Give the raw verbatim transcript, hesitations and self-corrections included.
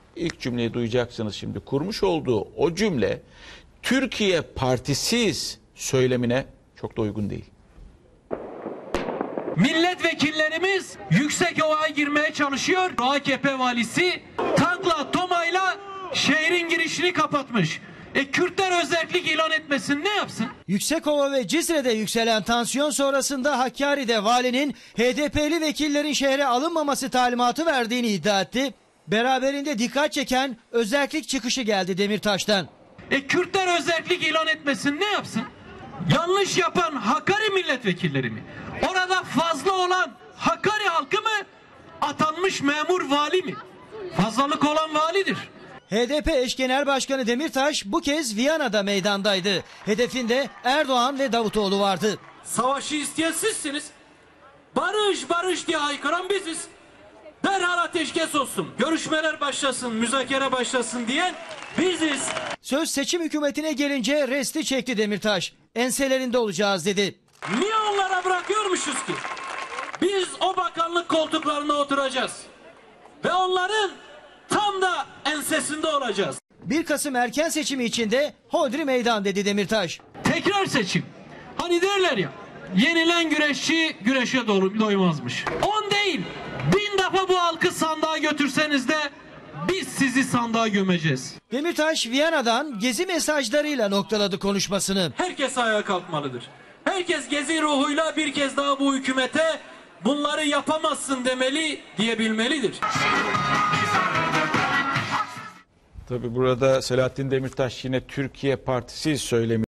ilk cümleyi duyacaksınız şimdi. Kurmuş olduğu o cümle Türkiye partisiz söylemine çok da uygun değil. Milletvekillerimiz Yüksekova'ya girmeye çalışıyor. A K P valisi tankla, tomayla şehrin girişini kapatmış. E Kürtler özellik ilan etmesin, ne yapsın? Yüksekova ve Cizre'de yükselen tansiyon sonrasında Hakkari'de valinin H D P'li vekillerin şehre alınmaması talimatı verdiğini iddia etti. Beraberinde dikkat çeken özellik çıkışı geldi Demirtaş'tan. E Kürtler özellik ilan etmesin, ne yapsın? Yanlış yapan Hakkari milletvekilleri mi? Orada fazla olan Hakkari halkı mı? Atanmış memur vali mi? Fazlalık olan validir. H D P eş genel başkanı Demirtaş bu kez Viyana'da meydandaydı. Hedefinde Erdoğan ve Davutoğlu vardı. Savaşı isteyen sizsiniz. Barış barış diye haykıran biziz. Derhal ateşkes olsun, görüşmeler başlasın, müzakere başlasın diyen biziz. Söz seçim hükümetine gelince resti çekti Demirtaş. Enselerinde olacağız dedi. Niye onlara bırakıyormuşuz ki? Biz o bakanlık koltuklarına oturacağız. Ve onların tam da ensesinde olacağız. bir Kasım erken seçimi içinde hodri meydan dedi Demirtaş. Tekrar seçim. Hani derler ya, yenilen güreşçi güreşe doymazmış. On değil, bin defa bu halkı sandığa götürseniz de biz sizi sandığa gömeceğiz. Demirtaş Viyana'dan gezi mesajlarıyla noktaladı konuşmasını. Herkes ayağa kalkmalıdır. Herkes gezi ruhuyla bir kez daha bu hükümete bunları yapamazsın demeli, diyebilmelidir. Tabii burada Selahattin Demirtaş yine Türkiye partisiz söylemi